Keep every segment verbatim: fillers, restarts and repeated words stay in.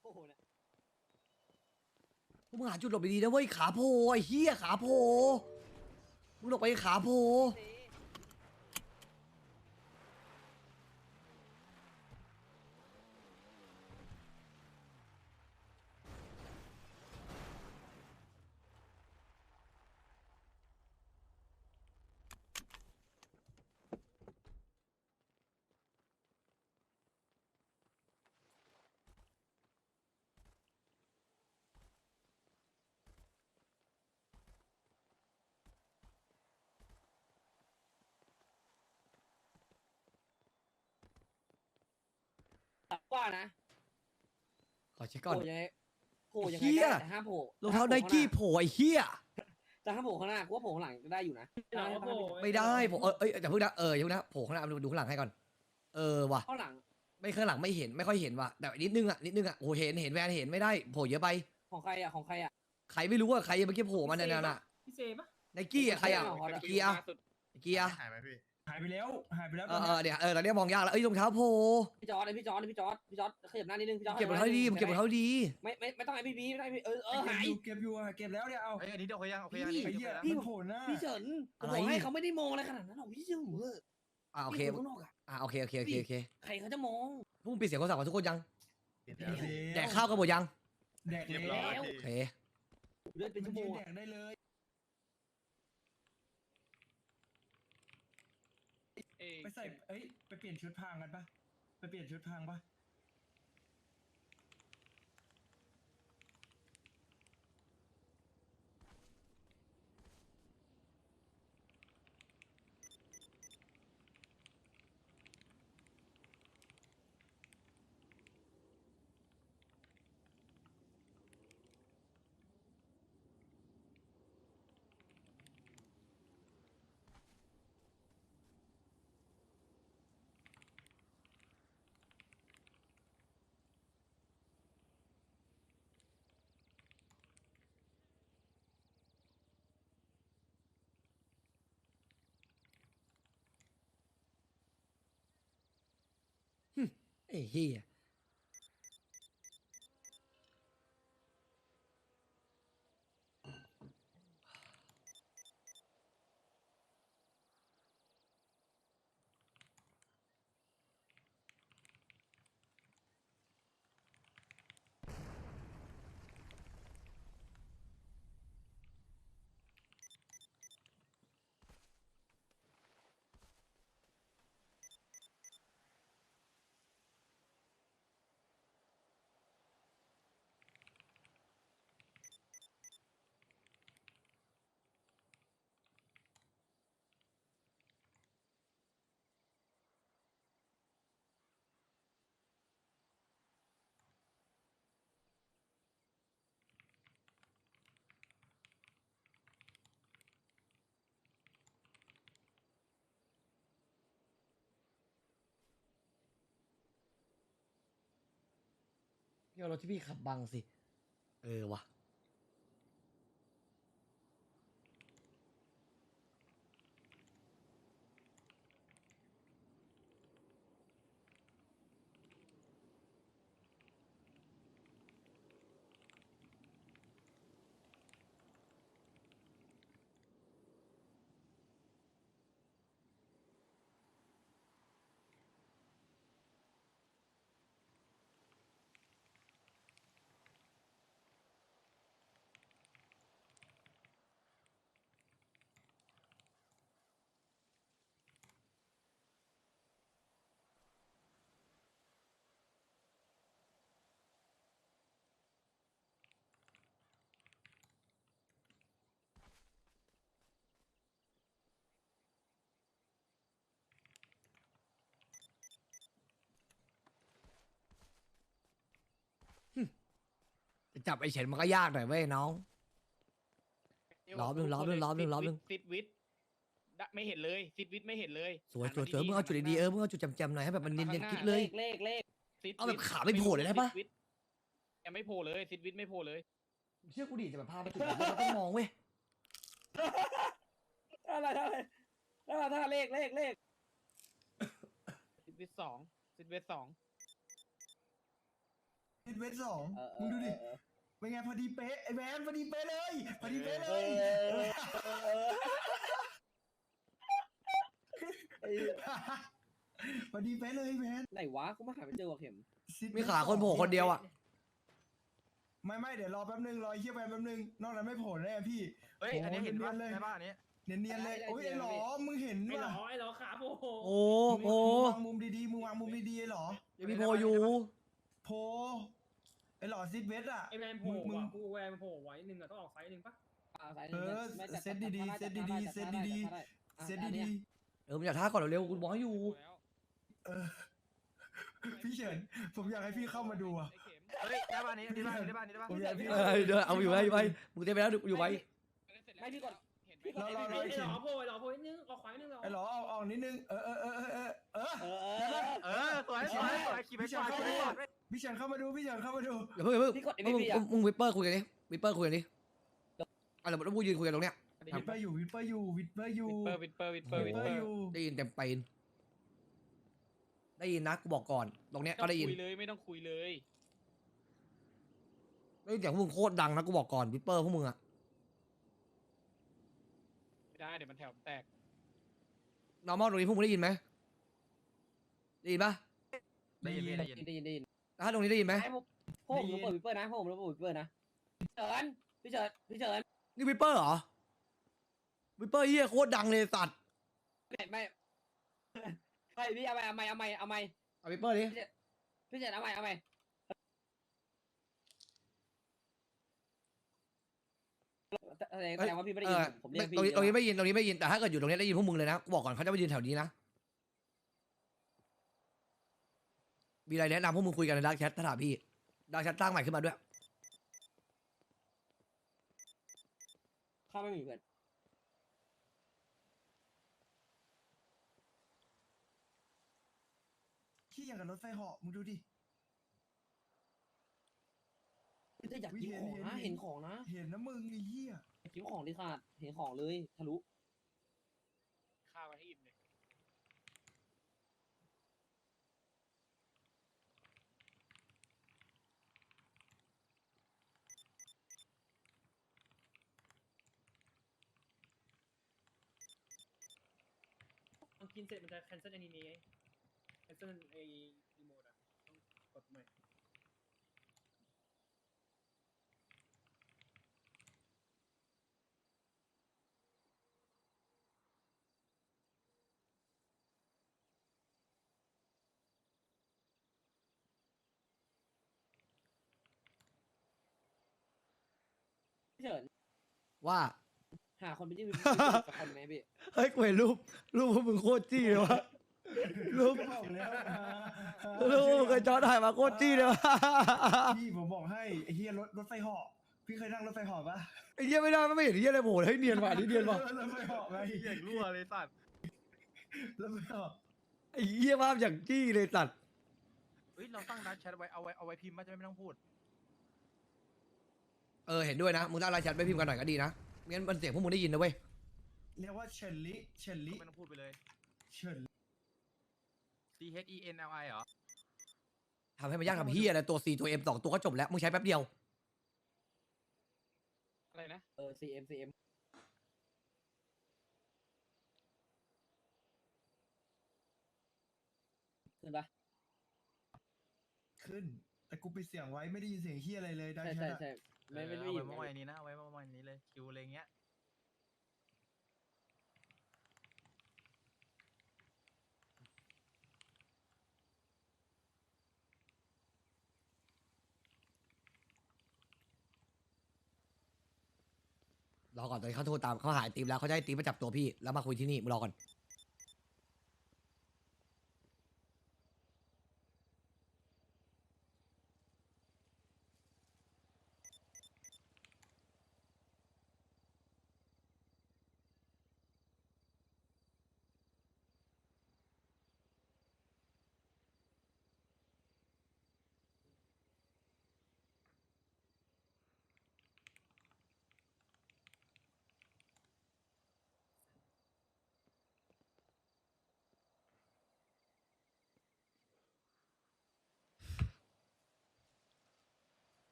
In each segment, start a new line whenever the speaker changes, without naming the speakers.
โอ้โหนะ
พวกมึงหาจุดหลบดีๆนะเว้ยขาโผล่ไอ้เหี้ยขาโผล่มึงหลบไปขาโผล่
เซ่ ว่านะ
ขอเช็ค
โผ
ก่อน
ล่ยังไงโผล่ยังไง
เหี้
ก็
ย
ได้แต่ห้ามโผล่
รองเท้าไนกี้โผล่ไอ้เหี้ย
แต่ห้ามโผล่ข้างหน้ากูว่าโผล่ข้างหลังได้อยู่นะ
หลังโผล่
ไม่ได้ผมเออเอ้ยแต่เพิ่งนะเอออย่าเพิ่งนะโผล่ข้างหน้าดูข้างหลังให้ก่อนเออว่ะ
ข้างหลัง
ไม่ข้างหลังไม่เห็นไม่ค่อยเห็นว่ะแต่นิดนึงอ่ะนิดนึงอ่ะโอ้เห็นเห็นแวนเห็นไม่ได้โผล่เยอะไป
ของใครอ่ะของใครอ่ะ
ใครไม่รู้ว่าใครเมื่อกี้โผล่มาเนี่ยน่ะ
พี่เซปะ
ไนกี้อ่ะใครอ่ะ
ของใครอ่ะ
ไนกี้อ่ะไนกี้อ่ะ
หายไหมพี่
หายไปแล้วหายไปแล้ว
เออเออเดี๋ยวเออตอนนี้มองยากแล้วเอ้ยรองเท้าโผล่
พี่จอร์ดเลยพี่จอร์ดเลยพี่จอร์ดพี่จอร์ดขยับหน้านิดนึงพี่จอร์ด
เก็บรองเท้าดีมันเก็บรองเท้าดี
ไม่ไม่ไม่ต้องให้พี่บีไม่ต้องให้พี่เออเออ
เก็
หา
บ
ย
อยู่เก็บอยู่เก็บแล้วเนี่ยเอา
เอ้ยอันนี้เดี๋ยวเขายังโอเคอันนี้
ไอ้
โอ
เหี้
เค
ย
แล้ว
มันโผล่หน้า
พี่เฉินผมบอกให้เขาไม่ได้มองอะไรขนาดนั้นหรอกพี่เฉินเออ
อ่าโอเค
พี่คนข้างนอกอ่ะ
อ่าโอเคโอเคโอเคโอเค
ใครเขาจะมอง
พวกมึงปิดเสียงโทรศัพท์กันทุกคนยัง
ปิดแล้วพี่
แดกข้าวกันหมดยัง
แดก
เรียบ
แล้
ร้อยว
โอเค
เดินเป็น
มั
ชั่
น
วโม
ยื
ง
นแด
อะ
กได้เลยไปใส่เอ้ยไปเปลี่ยนชุดพรางกันปะไปเปลี่ยนชุดพรางปะ
ไอ้เหี้ยพี่เอารถที่พี่ขับบังสิเออว่ะจะจับไอ้เฉินมันก็ยากหน่อยเว้ยน้อง ล้อมหนึ่งล้อมหนึ่งล้อมหนึ่งล้อมหนึ่ง
ซิดวิทดะไม่เห็นเลยซิดวิทไม่เห็นเลย
สวยสวยส
หั
วย
น
มึงเอาจุดดีๆเออมึงเอาจุดจำๆหน่อยให้แบบมันเนียนๆกิ๊บเลย
เลขเลข
ซิดวิท
เอาแบบขาไม่โผล่เลยได้ปะ
ซิวิทยังไม่โผล่เลยซิดวิทไม่โผล่เลย
เชื่อกูดิจะแบบพาไปจุดแบบนี้เราต้องมองเว้ย
อะไรอะไรอะไรถ้าเลขเลขเลข
ซิดวิทสองซิดวิทสอง
เซิดเวทสอง
เออเอ
มึง
อ
ดูดิ
เออ
เป็นไงพอดีเป๊ะไอ้แวนพอดีเป๊ะเลยพอดีเป๊ะเล
เอย อเออเออไอ้
พอดีเป๊ะเลยแวน
ไหนวะกูมาหาไม่เจอว่ะเข็ม
ซิดเวท
มีขาคนโผล่คนเดียวอ่ะ
ไม่ไม่เดี๋ยวรอแป๊บนึงรอไอ้เฮียแวนแป๊บนึงนอกนั้นไม่โผล่แน่พี่
เฮ้ยอันนี้เห็นปะ
โอ้ยเนียนๆเลย
ใช่ปะอันนี้
เนียนๆเลยโอ้ยไอ้หลอมึงเห็น
ไอ้หร
ว่ะ
อไอ้หรอขาโอ้โห
โอ้โห
มึงวางมุมดีๆมึงวางมุมดีๆไอ้หลอ
ยังมีโพอยู่
โพไอ้หลอซิดเวทอ่ะ
ไอ้แวนโผล่
มึง
ว่ะกูแวนโผล่ไว้หนึ่งอะต้องออกไซส์หนึ่งปะ
อ่าสาย
เออ
ไม่จั
เซตดีๆ
จั
เซตดีๆ
จั
เซตดีๆ
จั
เซต
จั
ดี
เออมึงอยากท่าก่อนเร็วๆกูบอกให้อยู่
ๆเออพี่เฉินผมอยากให้พี่เข้ามาดูอ่ะ
เฮ้ยได้ปะอันนี้อันนี้ได้ปะอันนี้ได้ปะอันนี้ได้ปะ
ผมอยากให้พี่
เออเดี๋ยวเอาอยู่ไว้อยู่ไว้มึงเต็มไปแล้วอยู่ไว้
ไม่พี่กด
เห็นไหม
รอรอรอ
ไอ้หรอโผล่ไอ้หรอโผล่นิดนึงออกขวานิดนึงหรอ
ไอ้หลอเอาออกนิดนึงเออเออเออเออเออเออ
เออเออ
เออสวยสวยสวยขี่ไปก่อนขี่ไปก่อน
พี่เฉินเข้ามาดูพี่เฉินเข้ามาดู
อย่าเพิ่งอย่าเพิ่ง
พี่กด
มึง
ไม่พี่อ่ะ
มึงวิปเปอร์คุยกันดิวิปเปอร์คุยกันดิอ่ะเดี๋ยวเราพูดยืนคุยกันตรงเนี้ย
วิดเปอร์อยู่วิดเปอร์อยู่วิดเปอร์อยู่
วิดเปอร์วิดเปอร์วิดเปอร์วิด
วิดเป
เป
อ
อ
ร์
ร์
อยู่
ได้ยินเต็มปีนได้ยินนะกูบอกก่อนตรงเนี้ย
ไม่
ก็
ต้อง
ได้ยิน
คุยเลยไม่ต้องคุยเลย
ได้ยินเสียงพวกมึงโคตรดังนะกูบอกก่อนวิปเปอร์พวกมึงอะ
ไม่ได้เดี๋ยวมันแถวแตก
normal ตรงนี้พวกมึงได้ยินไหมได้ยินปะ
ได้ยินได้ยิน
ได้ยินได้ยิน
แล้วถ้าตรงนี้ได้ยินไหม
ไอ้พวกพวกผมเปิดวิปเปอร์นะพวกผมเปิดวิปเปอร์นะเฉินพี่เฉินพี่เฉิน
นี่วิปเปอร์เหรอวิปเปอร์เฮียโคตรดังเลยสัตว์
ไม่ไม่ไม่พี่เอาใหม่เอาใหม่เอาใหม่เอาใหม่
เอาวิปเปอร์ดิ
พี่เฉินเอาใหม่เอาใหม่แสดงแสดงว่าพี่ไม่ได้
เอ
ยิน
อ
ผมเรียก
ตรง
พี่
นี้ตรงนี้ไม่ยินตรงนี้ไม่ยินแต่ถ้าเกิดอยู่ตรงนี้ได้ยินพวกมึงเลยนะกูบอกก่อนเขาจะไปยืนแถวนี้นะมีอะไรแนะนำพวกมึงคุยกันในดักแชทถ้าถามพี่ดักแชทสร้างใหม่ขึ้นมาด้วย
เข้าไม่มีเพื่อน
ขี้อย่างกับรถไฟเหาะมึงดูดิ
พี่จะอยากกินของนะเห็นของนะ
เห็นนะมึงไอ้เหี้ย
กินของดิขาดเห็นของเลยทะลุ
ข้าวไว้ให้อิ่มเลย
มันกินเสร็จมันจะ cancel อนิเมะ cancel ไอ้รีโมทอะต้องกดใหม่
พี่เฉิน
ว่า
หาคนไปยื่นวิปเปอร์สักคนไหมพี่
เฮ้ยกูเห็นรูปรูปพวกมึงโคตรจี้เลยวะรูป
บอกแล้ว
รูปพวกมึงเคยจอถ่ายมาโคตรจี้เลยวะ
พี่ผมบอกให้ไอ้เหี้ยรถรถไฟเหาะพี่เคยนั่งรถไฟเหาะปะ
ไอ้เหี้ยไม่ได้ไม่เห็นเหี้ยอะไรโผล่เลยเฮ้ยเนียนว่ะนี่เนียนว่ะ
รถไฟเหาะไง
เหี้ยรั่วเลยสัตว์
รถไฟเหาะ
ไอ้เหี้ยภาพอย่างจี้เลยสัตว์
เฮ้ยเราตั้งดักแชทไว้เอาไว้เอาไว้พิมพ์มาจะไม่ต้องพูด
เออเห็นด้วยนะมึงตั้งไลน์แชทไปพิมพ์กันหน่อยก็ดีนะไม่งั้นมันเสียงพวกมึงได้ยินนะเว้ย
เรียกว่าเฉินลิเฉินลิ
ไม่ต้องพูดไปเลย
เฉิน
C H E N L I เหรอ
ทำให้มันยากทำเหี้ยอะไรตัว C ตัว M สองตัวก็จบแล้วมึงใช้แป๊บเดียว
อะไรนะ
เออ ซี เอ็ม ซี เอ็ม ขึ้นปะ
ขึ้น แต่กูปิดเสียงไว้ไม่ได้ยินเสียงเหี้ยอะไรเลยได้
ใช่
แค่
ใช่
นั้น
ใช่ไม่ไม่
เอ
ได้
อ
ยิ
เอา
น
ไว้เมื่อวานนี้นะเอาไว้เมื่อวานนี้เลยคิวอะไรเงี้ย
รอก่อนตอนนี้เขาโทรตามเขาหายตีมแล้วเขาจะให้ตีมมาจับตัวพี่แล้วมาคุยที่นี่มึงรอก่อน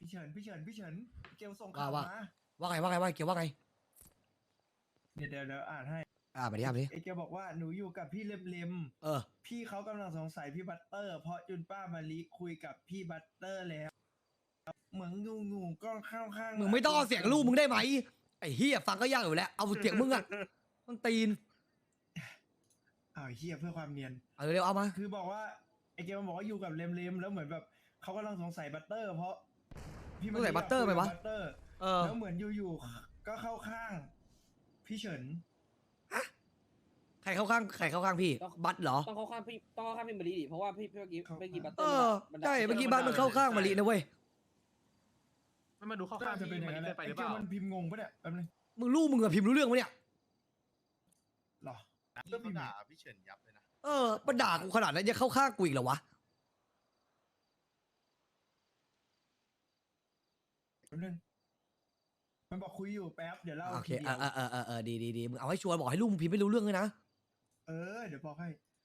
เฉินพี่เฉินพี่เฉินเกลส่ง
ว่า
ข่าว
ว่า
มา
ว่าไงว่าไงว่าไงเกี่ยวว่าไง
เดี๋ยวเดี๋ยวเดี๋ยวอ่านให้
อ่ามาดิอ่ามาดิ
ไอเกลบอกว่าหนูอยู่กับพี่เลมเลม
เออ
พี่เขากำลังสงสัยพี่บัตเตอร์ เพราะจุนป้ามาลีคุยกับพี่บัตเตอร์แล้ว เหมือนงูงูก็เข้าข้าง
มึงไม่ต้องเอาเสียงลูกมึงได้ไหมไอ้เฮียฟังก็ยากอยู่แล้วเอาเสียงมึงอะต้องตีน
อ้าวเฮียเพื่อความเนียน
เอาเร็วๆเอามา
คือบอกว่าไอเกลมันบอกว่าอยู่กับเลมเลมแล้วเหมือนแบบเขากำลังสงสัยบัตเตอร์ เพราะพี่
สงสัยบัตเตอร์ไหมวะ
บัตเตอร์
เออ
แล้วเหมือนอยู่ๆก็เข้าข้าง พี่เฉิน
ใครเข้าข้างใครเข้าข้างพี่บัตเหรอ
ต้องเข้าข้างพี่ต้องเข้าข้างพี่มารีดิเพราะว่าพี่เมื่อกี้เมื่อกี้บัตเต
เอ
อร์
อใช่เมื่อกี้บัตมันเข้าข้างมารีนะเว้ย
ไม่มาดูข้อ
ก็
ข้าง
จะเป็น
พี่
อย่าง
มัน
นั้นแห
เกิ
ละ
นไปห
ไอ
รือ
เก
เป
ล
ล่า
มันพิมพ์งงปะเนี่ยแป๊บนึง
มึงลูกมึงอะพิมพ์รู้เรื่องปะเนี่ย
หรอ
พี่ก็ด่าพี่เฉินยับเลยนะ
เออมันด่ากูขนาดนั้นยังเข้าข้างกูอีกเหรอวะ
แป๊บนึงมันบอกคุยอยู่แป๊บเดี๋ยวเล่า
โอเค
ทีเดี
เอ
ยว
อเออเออเออดีดีดีมึงเอาให้ชัวร์บอกให้ลูกมึงพิมพ์ไม่รู้เรื่องเลยนะ
เออเดี๋ยวบอกให้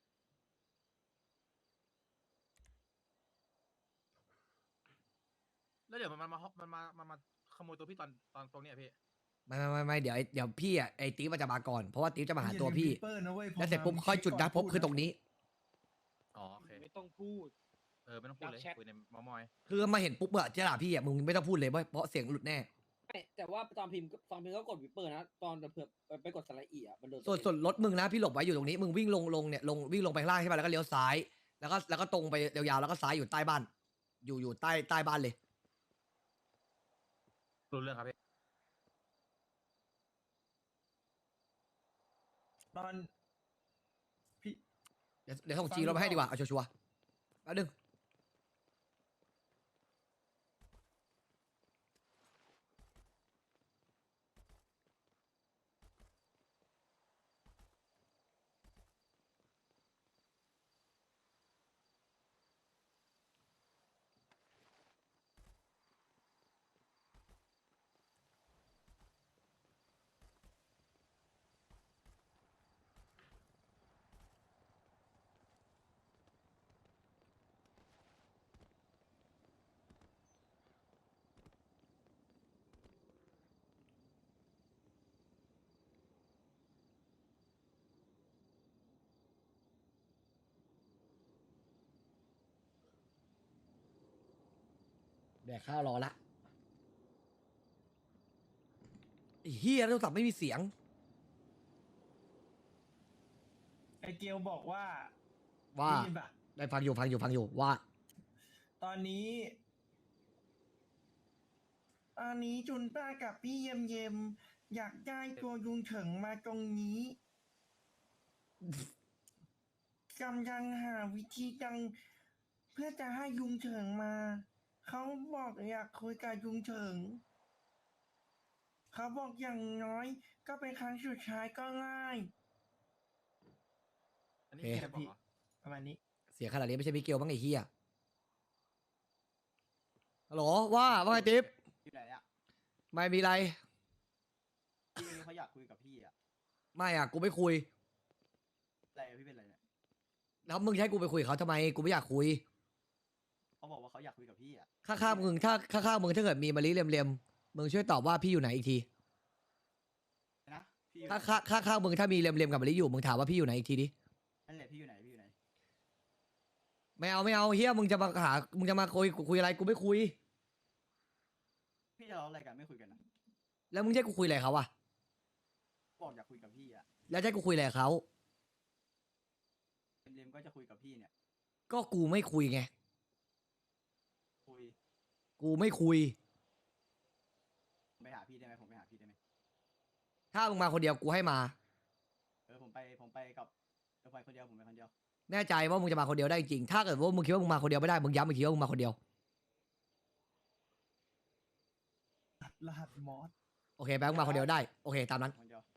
แล้วเดี๋ยวมันมามันมามันมาขโมยตัวพี่ตอนตอนตรงเนี้ยพี่
ไม่ไม่ไม่ไม่เดี๋ยวไอ้เดี๋ยวพี่อ่ะไอ้ติ๊บมันจะมาก่อนเพราะว่าติ๊บจะมาหาตัวพี่
อย่าลืม Reaper นะเว้ยพอ
แล้วเสร็จปุ๊บ
มา
ค่อยจุดนัดพบ
ก่น
คือตรงนี้
อ๋อโอเค
ไม่ต้องพูด
เออไม่ต้องพูดเลย
ดักแชท
คุยในมอมอย
คือมาเห็นปุ๊บอะจะด่าพี่อะมึงไม่ต้องพูดเลยเพราะเพราะเสียงหลุดแน่
ไม่แต่ว่าตอนพิมพ์ตอนพิมพ์ก็กดวิปเปอร์นะ ตอนเผื่อไปกดสไลด์อีอะมันโดน
ส่วนส่วนรถมึงนะพี่หลบไว้อยู่ตรงนี้มึงวิ่งลงลงเนี่ยลงวิ่งลงไปข้างล่างใช่ป่ะแล้วก็เลี้ยวซ้าย แล้วก็แล้วก็ตรงไปยาวๆแล้วก็ซ้ายอยู่ใต้บ้าน อยู่อยู่ใต้ใต้บ้านเลย
รู้เรื่องครับพี่
ตอนพี่
เดี๋ยวเดี๋ยวส่งจีรถมาให้ดีกว่าเอาชัวร์ๆแป๊บนึง แดกข้าวรอละไอ้เฮียโทรศัพท์ไม่มีเสียง
ไอเกลบอกว่า
ว่า
ได้ยินปะ
ได้ฟังอยู่ฟังอยู่ฟังอยู่ว่า
ตอนนี้ ตอนนี้จุนป้ากับพี่เยมเยมอยากได้ตัวยุงเฉิงมาตรงนี้กำลังหาวิธีจังเพื่อจะให้ยุงเฉิงมา เขาบอกอยากคุยกับยุงเฉิง เขาบอกอย่างน้อย ก็เป็นครั้งสุดท้ายก็ง่าย
อันนี้
โอเค
แค่บอกเหรอ
ประมาณนี้
เสียงขนาดนี้ไม่ใช่มิเกลบ้างไอ้เฮียฮัลโหลว่าว่าไงติ๊บ
อยู่ไหนอ่ะ
ไม่มีอะไร
พี่เขาอยากคุยกับพี่อ่ะ
ไม่อ่ะกูไม่คุย
อะไรอะพี่เป็นอะไรเนี่ย
แล้วมึงจะให้กูไปคุยกับเขาทำไมกูไม่อยากคุย
เขาบอกว่าเขาอยากคุยกับพี่อ่ะ
ข้างๆมึงถ้าข้างๆมึงถ้าเกิดมีมะลิเลียมๆมึงช่วยตอบว่าพี่อยู่ไหนอีกที
นะพี่
ถ้าข้างข้างๆมึงถ้ามีเลียมๆกับมะลิอยู่มึงถามว่าพี่อยู่ไหนอีกทีดิ
นั่นแหละพี่อยู่ไหนพี่อยู่ไหน
ไม่เอาไม่เอาเฮียมึงจะมาหามึงจะมาคุยคุยอะไรกูไม่คุย
พี่จะเล่าอะไรกันไม่คุยกันนะ
แล้วมึงจะให้กูคุยอะไรกับเขาอะ
บอกอยากคุยกับพี่อ่ะ
แล้วจะให้กูคุยอะไรกับเขา
เลมๆก็จะคุยกับพี่เนี่ย
ก็กูไม่คุยไง
คุย
กูไม่คุย
ผมไปหาพี่ได้ไหมผมไปหาพี่ได้ไหม
ถ้ามึงมาคนเดียวกูให้มา
เออผมไปผมไปกับเออไปคนเดียวผมไปคนเดียว
แน่ใจว่ามึงจะมาคนเดียวได้จริงถ้าเกิดว่ามึงคิดว่ามึงมาคนเดียวไม่ได้มึงย้ำอีกทีว่ามึงมาคนเดียว
รหัสมอส
โอเคแบงค์มาคนเดียวได้โอเคตามนั้น
คนเดียว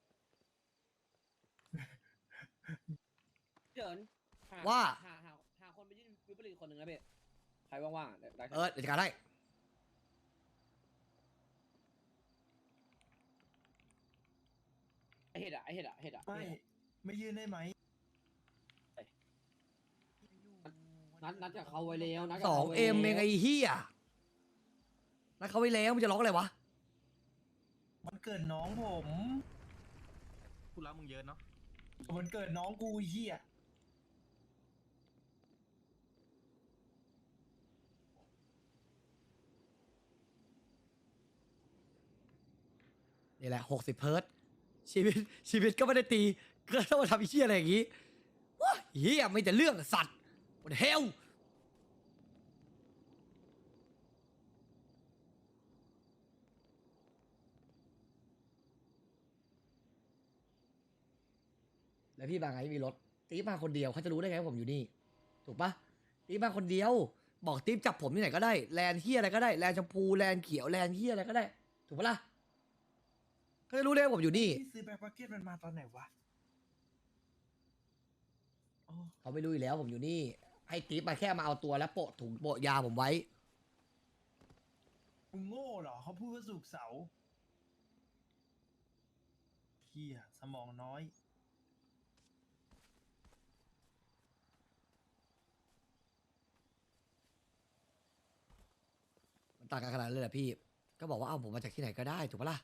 เฉินห
ว่า
หาหาหาคนไปยื่นวิปเปอร์อีกคนหนึ่งนะเบ๊ใครว่างๆได้ได้
เออเดี๋ยวจัดการได้
ไอเห็ดอะไอเห็ดอะเห็ดอะ
ไม่ไม่ยื่นได้ไหม
นัดนัดกับเขาไว้แล้วนัดกับ
สอง
ขาไว้
เอ็มเอ
แล้ว
งไอ้เฮียนัดเขาไว้แล้วมึงจะร้องอะไรวะ
มันเกิดน้องผม
กูรักมึงเยอะเนาะ
มันเกิดน้องกูไอ้เฮีย
นี่แหละหกสิบเพิร์ตชีวิตชีวิตก็ไม่ได้ตีก็ต้องมาทำไอ้เหี้ยอะไรอย่างงี้ว้าเหี้ยไม่แต่เรื่องสัตว์หมดเฮลแล้วพี่บางไงมีรถตีมาคนเดียวเขาจะรู้ได้ไงว่าผมอยู่นี่ถูกปะตีมาคนเดียวบอกตีจับผมที่ไหนก็ได้แลนด์เหี้ยอะไรก็ได้แลนด์ชมพูแลนด์เขียวแลนด์เหี้ยอะไรก็ได้ถูกปะล่ะเขาจะรู้ได้ว่าผมอยู่นี่
พี่ซื้อแบ็คมาร์เก็ตมันมาตอนไหนวะโอ้
เขาไม่รู้อยู่แล้วผมอยู่นี่ ให้ติ๊บมาแค่มาเอาตัวแล้วโปะถุงโปะยาผมไว้
มึงโง่เหรอเขาพูดว่าสุกร์เสาร์เฮียสมองน้อย
มันต่างกันขนาดนั้นเลยเหรอพี่ ก็บอกว่าเอาผมมาจากที่ไหนก็ได้ถูกปะล่ะ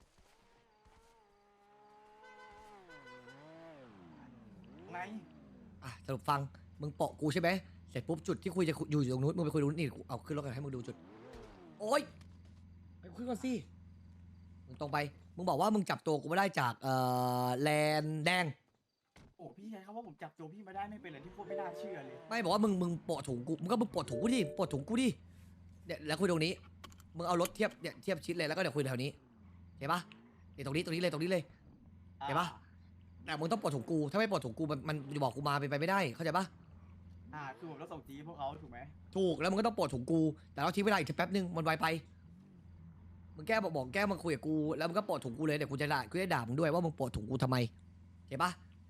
ไง
อ่ะสรุปฟังมึงโปะกูใช่ไหมเสร็จปุ๊บจุดที่คุยจะคุยอยู่อยู่ตรงนู้นมึงไปคุยตรงนู้นนี่กูเอาขึ้นรถกันให้มึงดูจุด โอ๊ยไปคุยก่อนสิมึงตรงไปมึงบอกว่ามึงจับตัวกูไม่ได้จากเอ่อแลนแดง
โอ้พี่ใช้คำว่าผมจับตัวพี่มาได้ไม่เป็นเลยที่พูดไม่น่าเชื่อเลย
ไม่บอกว่ามึงมึงโปะถุงกูมึงก็มึงโปะถุงกูดิโปะถุงกูดิเนี่ยแล้วคุยตรงนี้มึงเอารถเทียบเนี่ยเทียบชิดเลยแล้วก็เดี๋ยวคุยแถวนี้เห็นปะเนี่ยตรงนี้ตรงนี้เลยตรงนี้เลย เห็นปะ แต่มึงต้องปลดถุงกูถ้าไม่ปลดถุงกูมันมันจะบอกกูมาเป็นไปไม่ได้เข้าใจปะ
อ่าคือผมต้องส่งจีพวกเขาถูกไหม
ถูกแล้วมึงก็ต้องปลดถุงกูแต่เราทิ้งเวลาอีกแป๊บนึงมันไวไปมึงแก้บอกบอกแก้มึงคุยกับกูแล้วมึงก็ปลดถุงกูเลยเดี๋ยวกูจะด่ากูจะด่ามึงด้วยว่ามึงปลดถุงกูทำไมเห็นปะ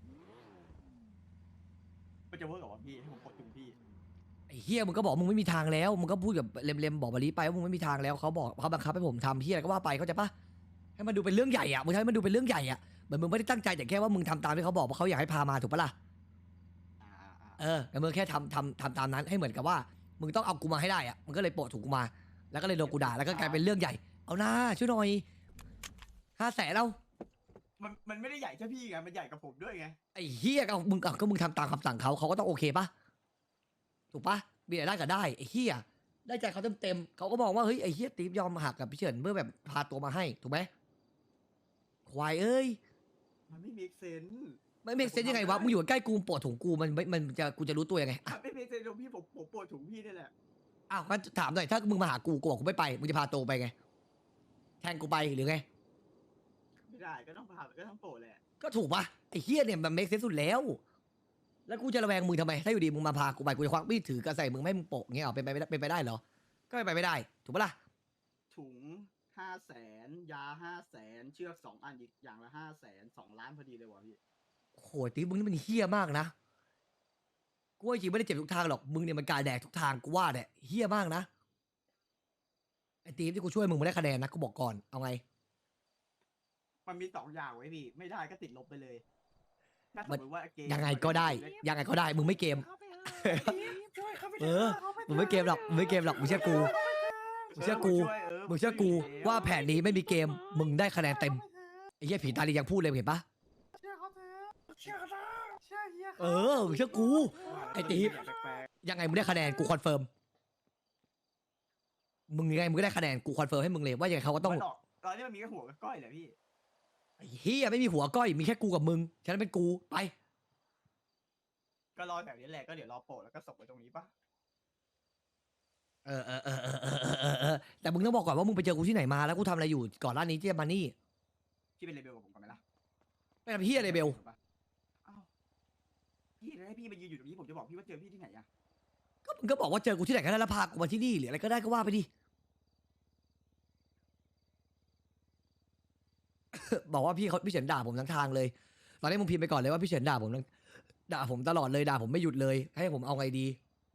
มันจะเวิร์กเหรอวะพี่ให้ผมกดถุงพี่
ไอ้เฮียมึงก็บอกมึงไม่มีทางแล้วมึงก็พูดกับเลมเลมบอกมาลีไปว่ามึงไม่มีทางแล้วเขาบอกเขาบังคับให้ผมทำเฮียอะไรก็ว่าไปเข้าใจปะให้มันดูเป็นเรื่องใหญ่อะมึงทำให้มันดูเป็นเรื่องใหญ่อะเหมือนมึงไม่ได้ตั้งใจแต่แค่ว่ามึงทำตามที่เขาบอกเพราะเขาอยากให้พามาถูกปะล่ะ
อ่าอ่าอ่า
เออแต่มึงแค่ทำทำทำตามนั้นให้เหมือนกับว่า มึงต้องเอากูมาให้ได้อะมึงก็เลยโปะถุงกูมา แล้วก็เลยโดนกูด่าแล้วก็กลายเป็นเรื่องใหญ่ เอาหน้าช่วยหน่อยห้าแสนเรา
มันมันไม่ได้ใหญ่แค่พี่ไงมันใหญ่กับผมด้วยไง
ไอ้เฮียก็เอามึงเอาก็มึงทำตามคำสั่งเขาเขาก็ต้องโอเคปะถูกปะมีแต่ได้ก็ได้ไอ้เฮียได้ใจเขาเต็มเต็มๆเขาก็มองว่าเฮ้ยไอ้เฮียตีฟยอมหักกับพี่เฉินเพื่อแบบพาตัวมาให้ถูกไหมควายเอ้ย
มันไม่ make sense
ไม่เมกเซนยังไงวะมึงอยู่ใกล้กูปวดถุงกูมันไม่มันจะกูจะรู้ตัวยังไงอ่ะ
มันไม่ make sense ตรงพี่ผมผมปวดถุงพี่นี่แหละ
อ้าวงั้นถามหน่อยถ้ามึงมาหากูกูบอกกูไม่ไปมึงจะพาตัวไปไงแทนกูไปหรือไง
ไม่ได้ก็ต้องพาก็ต้องโปรดแหละ
ก็ถูกปะไอ้เฮียเนี่ยมันเมกเซนสุดแล้ว แล้วกูจะระแวงมึงทำไม ถ้าอยู่ดีมึงมาพากูไปกูจะควักมีดถือกระใส่มึงไม่ให้มึงโปะเงี้ยเหรอเป็นไปไม่ได้เป็นไปได้เหรอ ก็เป็นไปไม่ได้ ถูกปะล่ะ
ถุงห้าแสนยาห้าแสนเชือกสองอันอีกอย่างละห้าแสนสองล้านพอดีเลยวะพี่
โอ้โหตีมึงนี่มันเฮี้ยมากนะ กูว่าจริงไม่ได้เจ็บทุกทางหรอก มึงเนี่ยมันกายแดกทุกทางกูว่าเนี่ยเฮี้ยมากนะ ไอ้ตีมที่กูช่วยมึงมาได้คะแนนนะกูบอกก่อน เอาไง
มันมีสองอย่างไว้พี่ไม่ได้ก็ติดลบไปเลยถ้าสมมติว่าเกม
ยังไงก็ได้ ยังไงก็ได้ มึงไม่เกม
ช่วยเขาไป
เออ มึงไม่เกมหรอก มึงไม่เกมหรอก มึงเชื่อกู มึงเชื่อกู มึงเชื่อกูว่าแผนนี้ไม่มีเกม มึงได้คะแนนเต็ม ไอ้เหี้ยผีตาลียังพูดเลยเห็นปะ
เชื่อเขาเชื่อเขา
เออ มึงเชื่อกู ไอ้ตีฟ
แปลก
ยังไงมึงได้คะแนนกูคอนเฟิร์ม มึงยังไงมึงก็ได้คะแนนกูคอนเฟิร์มให้มึงเลยว่ายังไงเขาก็
ๆ
ต้อง
มันหลอกตอนนี้มันมีแค่หัวกับก้อยเหรอพี่
ไอ้เฮียไม่มีหัวก้อยมีแค่กูกับมึงฉะนั้นเป็นกูไป
ก็รอแบบนี้แหละก็เดี๋ยวรอโปรดแล้วก็ส่งไปตรงนี้ปะ
เออเออเออเออเออเออเออเออแต่มึงต้องบอกก่อนว่ามึงไปเจอกูที่ไหนมาแล้วกูทำอะไรอยู่ก่อนหน้านี้ที่จะมานี่
พี่เป็นเลเบลกับผมก่อนไหมล่ะ
ไม่ทำเฮียอะไรเบล
อ้าวพี่แล้วให้พี่มายืนอยู่ตรงนี้ผมจะบอกพี่ว่าเจอพี่ที่ไหนอะ
ก็มึงก็บอกว่าเจอกูที่ไหนก็ได้แล้วพากูมาที่นี่หรืออะไรก็ได้ก็ว่าไปดิ บอกว่าพี่เขาพี่เฉินด่าผมทั้งทางเลย ตอนนี้มึงพิมพ์ไปก่อนเลยว่าพี่เฉินด่าผมทั้งด่าผมตลอดเลยด่าผมไม่หยุดเลย ให้ผมเอาไงดี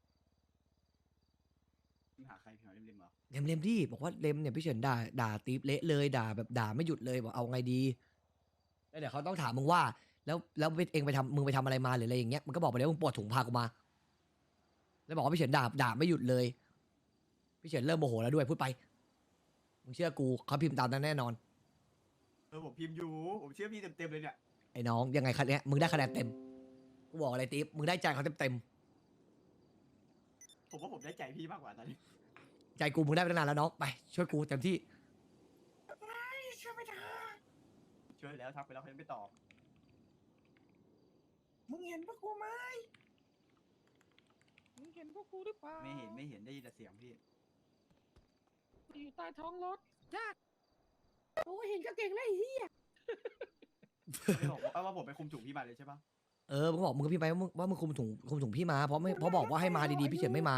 พี่หาใครพี่หาเล่มๆเหรอ
เลมเลมดิบอกว่าเลมเนี่ยพี่เฉินด่าด่าตีฟเละเลยด่าแบบด่าไม่หยุดเลยบอกเอาไงดีแล้วเดี๋ยวเขาต้องถามมึงว่า แล้วแล้วเองไปทำมึงไปทำอะไรมาหรืออะไรอย่างเงี้ยมึงก็บอกไปเลยว่ามึงปวดถุงพากูมา แล้วบอกว่าพี่เฉินด่าด่าไม่หยุดเลย พี่เฉินเริ่มโมโหแล้วด้วยพูดไปมึงเชื่อกูเขาพิมพ์ตามนั้นแน่นอน
เออผมพิมพ์อยู่ผมเชื่อพี่เต็มๆเลยเนี่ย
ไอ้น้องยังไงคะเนี้ยมึงได้คะแนนเต็มกูบอกอะไรติ๊บมึงได้ใจเขาเต็มเต็ม
ผมว่าผมได้ใจพี่มากกว่าตอนนี้
ๆใจกูมึงได้ไปตั้งนานแล้วน้องไปช่วยกูเต็มที่
ช่วยไม่ได้
ช่วยแล้วทักไปแล้วเขายังไม่ตอบ
มึงเห็นปะกูไหม
มึงเห็นพวกกูหรือเปล่า
ไม่เห็นไม่เห็นได้ยินแต่เสียงพี่
อยู่ใต้ท้องรถยาก
โอ้เห็นก็เก่งเลยไอ้เฮีย
ไม่บอกว่าว่าผมไปคุมถุงพี่มาเลยใช่ปะ
เออมึงบอกมึงก็พี่ไปว่ามึงว่ามึงคุมถุงคุมถุงพี่มาเพราะไม่เพราะบอกว่าให้มาดีๆพี่เฉินไม่มา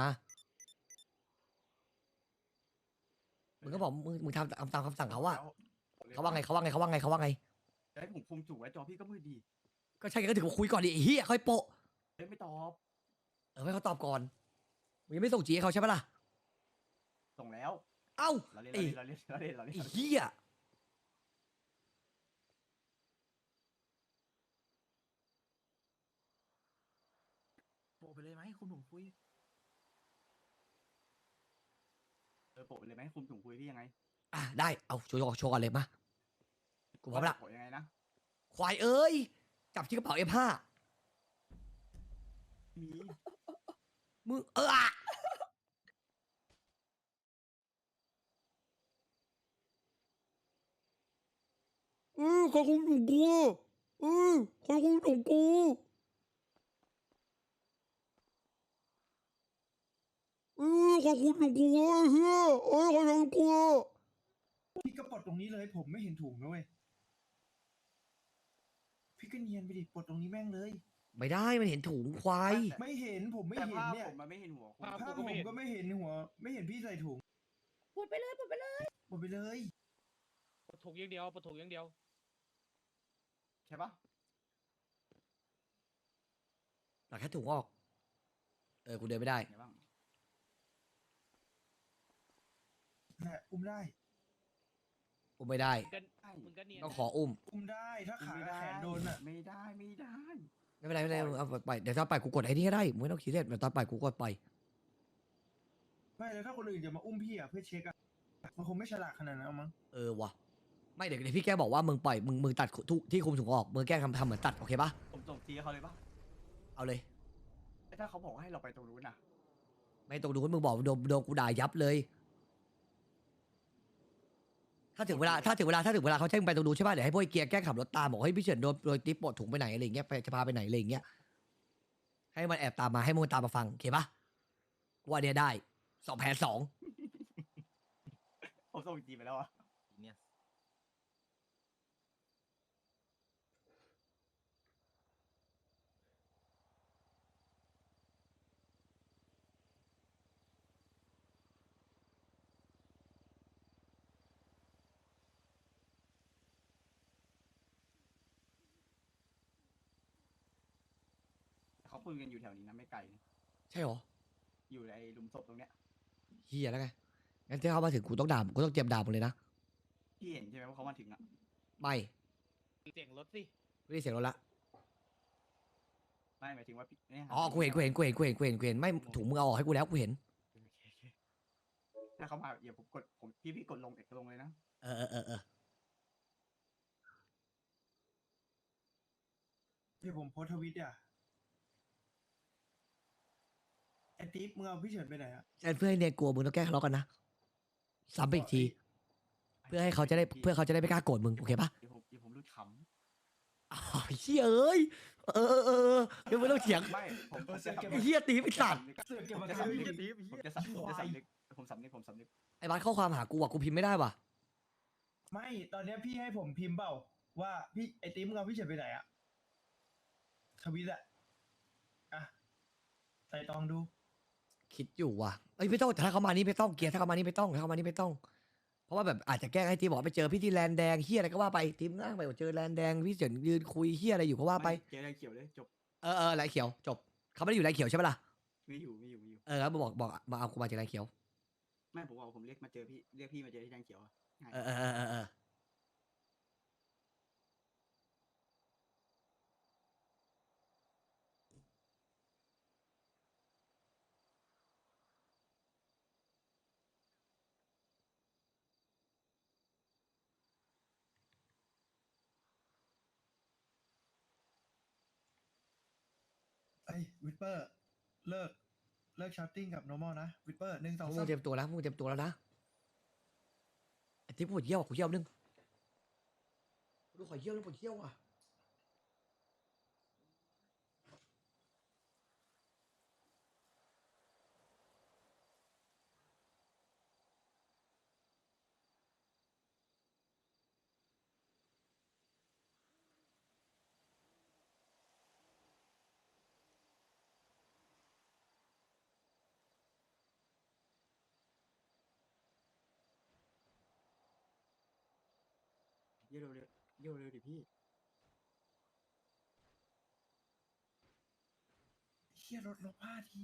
มึงก็บอกมึงมึงทำตามตามคำสั่งเขาว่า
แล้ว
เขาว่าไงเขาว่าไงเขาว่าไงเขาว่าไง
จะให้ผมคุมถุงไว้จอพี่ก็มืดดี
ก็ใช่ก็ถึงมาคุยก่อนดิไอ้เหี้ยค่อยโปะ
เอ้ยไม่ตอบ
เออให้เขาตอบก่อนมึงยังไม่ส่งจีให้เขาใช่ปะล่ะ
ส่งแล้ว
เอ้า
เราเล่น
ไอ้
เราเล่นเราเล่นเราเล่น
ไอ้
เราเล่น
เหี้ย
โปะไปเลยไหมคุณผมคุย
เออโปะไปเลยไหมคุมถุงคุยพี่ยังไง
อ่ะได้เอาโชว์โชว์ก่อนเลยมากูพร้อมละ
โปะยังไงนะ
ควายเอ้ยจับที่กระเป๋า เอฟ ห้า
มี
มึงเอออะเออใครคุมถุงกูเออใครคุมถุงกูเออใครคุมถุงกูวะเฮียเอ้ยใครทำกู
พี่ก็ปลดตรงนี้เลย ผมไม่เห็นถุงนะเว้ย พี่ก็เนียนไปดิ ปลดตรงนี้แม่งเลย
ไม่ได้มันเห็นถุงควาย
ไม่เห็น ผมไม่
แต่
เห็น
ภาพ
เนี่ย
ผมมันไม่เห็นหัวคุณ
ภาพ
ภาพ
กู
ผม
ก็ไม่เห็น
ก็ไม่เห็นหัว ไม่เห็นพี่ใส่ถุง
ปวดไปเลยปวดไปเลย
หมดไปเลย
ปวดถูกอย่างเดียวปวดถูกอย่างเดียว
ใช่ปะ
ตัดแค่ถุงออก เออ กูเดินไม่ได้
ไงบ้าง
แหละอุ้มได้
อุ้มไม่ได้
มึงก็มึงก็เนียน
ต้องขออุ้ม
อุ้มได้ ถ้าขา
ไม่
กับ
ได้
แขนโดนอ่ะ
ไม่ได้ไม่ได้
ไม่เป็นไรไม่เป็นไรมึงเอาไป เดี๋ยวตอนไปกูกดไอ้นี่ก็ได้มึงไม่ต้องคิดเล่นเดี๋ยวตอนไปกูกดไป
ไม่แล้วถ้าคนอื่นจะมาอุ้มพี่อ่ะเพื่อเช็คอ่ะ มันคงไม่ฉลาดขนาดนั้นเอามั้ง
เออวะไม่เดี๋ยวเดี๋ยวพี่แกบอกว่ามึงปล่อยมึงมึงตัดทุกที่คุมถุงออกมึงแกล้งทำทำเหมือนตัดโอเคปะ
ผมส่งทีให้เขาเลยปะ
เอาเลย
แต่ถ้าเขาบอกว่าให้เราไปตรงนู้นน่ะ
ไม่ตรงนู้นมึงบอกโดนโดนกูด่ายับเลย ถ้าถึงเวลาถ้าถึงเวลาถ้าถึงเวลาเขาแจ้งไปตรงนู้นใช่ป่ะเดี๋ยวให้พวกไอ้เกียร์แกล้งขับรถตามบอกให้ยพี่เฉินโดนโดนติ๊บปลดถุงไปไหนอะไรอย่างเงี้ยไปจะพาไปไหนอะไรอย่างเงี้ยให้มันแอบตามมาให้มึงตามมาฟังโอเคปะว่าเนี่ยได้สองแผนสอง
ผมส่งจีไปแล้วอะ
เนี่ย
เขาคุยกันอยู่แถวนี้นะไม่ไกลนะ
ใช่หรอ
อยู่ในหลุมศพตรงเนี้ย
เฮียแล้วไงงั้นถ้าเขามาถึงกูต้องด่ากูต้องเตรียมด่ามึงเลยนะ
พี่เห็นใช่ไหมว่าเขามาถึงอ่ะ
ไม่
เสียงรถสิ
ไม่ได้เสียงรถละ
ไม่หมายถึงว่าพี่เนี่ย
อ๋อกูเห็นกูเห็นกูเห็นกูเห็นกูเห็นกูเห็นไม่ถุงมึงเอาออกให้กูแล้วกูเห็น
โอเคโอเคถ้าเขามาอย่าผมกดผมพี่พี่กดลงเอกลงเลยนะ
เออเออเออเออ
เดี๋ยวผมโพสต์ทวิตอ่ะ ไอ้ติ๊บมึงเอาพี่เฉินไปไหนอ่ะ
เพื่อให้เนียนกลัวมึงต้องแก้ทะเลาะกันนะซ้ำไปอีกที เพื่อให้เขาจะได้เพื่อเขาจะได้ไม่กล้าโกรธมึงโอเคปะ
เดี๋ยวผมเดี๋ยวผมรุดข
อ๋อเฮียเอ้ยเออเออเออเออเดี๋ยวไม่ต้องเถียง
ำไม่ผมผมจะ
ไอ้เฮียตีไอ้สัตว์
เสือกเก็บ
ผม
มา
จะ
ทำ
สำ
อี
นึก
ก
ผมจะสำผมจะสำนึกผมสำนึกผมสำนึก
ไอ้บ้านข้อความหากูอ่ะกูพิมพ์ไม่ได้ว่ะ
ไม่ ตอนเนี้ยพี่ให้ผมพิมพ์เปล่า ว่าพี่ไอ้ติ๊บมึงเอาพี่เฉินไปไหนอ่ะ ทวิตอ่ะ อ่ะ ใส่ตองดู
คิดอยู่ว่ะเอ้ยไม่ต้องแต่ถ้าเขามานี่ไม่ต้องเกียร์ถ้าเขามานี่ไม่ต้องถ้าเขามานี่ไม่ต้อง เพราะว่าแบบอาจจะแกล้งให้ทีมบอกไปเจอพี่ที่แลนแดงเฮียอะไรก็ว่าไปทีมนั่งไปบอกเจอแลนแดงพี่เฉินยืนคุยเฮียอะไรอยู่ก็ว่าไป
เจออะไรเขียวเลยจบ
เออเออไรเขียวจบเขาไม่ได้อยู่ไรเขียวใช่ปะล่ะ
ไม่อยู่ไม่อยู่ไม่อยู่
เออแล้วบอกบอกมาเอากูมาจากไรเขียว
ไม่ผมบอกว่าผมเรียกมาเจอพี่เรียกพี่มาเจอที่แดงเขียวอะง่าย
เออเออเออเออเออ
วิสเปอร์ เลิก เลิกชาร์ติ้งกับ normal นะ วิสเปอร์หนึ่งสอง
มึ
สาง ม
เตรียมตัวแล้วมึงเตรียมตัวแล้วนะไอ้ที่ปวดเยี่ยวอะกูเยี่ยวนึงดูขอเยี่ยวแล้วปวดเยี่ยวอ่ะ
เยี่ยวเร็วๆเยี่ยวเร็วดิพี่
เฮียรถลบห้าที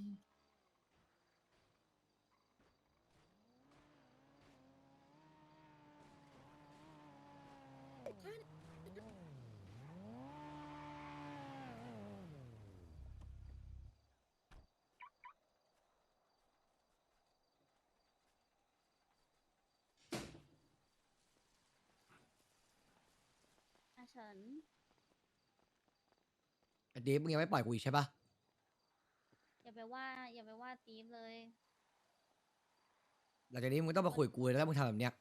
อาเฉิน
ไอ้เดฟมึงยังไม่ปล่อยกูอีกใช่ปะ
อย่าไปว่า อย่าไปว่าตีฟเลย
หลังจากนี้มึงต้องมาคุยกับกูเลยแล้วมึงทำแบบเนี้ย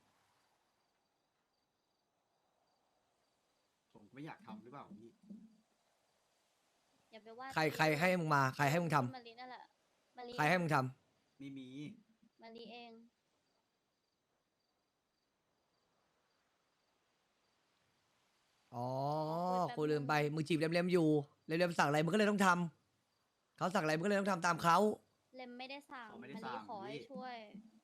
ผมไม่อยากทำหรือเปล่าพี่
อย่าไปว่า
ใคร
ตีฟ
ใครให้มึงมาใครให้มึงทำ
มารีนั่นแหละมารี
ใครให้มึงทำ
ไม่มี
มารีเอง
อ๋อ
คุยแป๊บ
กูลืมไปมึงจีบเล็มๆอยู่เล็มๆสั่งอะไรมึงก็เลยต้องทำเขาสั่งอะไรมึงก็เลยต้องทำตามเขา
เลมไม่ได้สั่ง
เขาไม่
มา
ได้
รี
สั่ง
ขอให้
พี่
ช่วย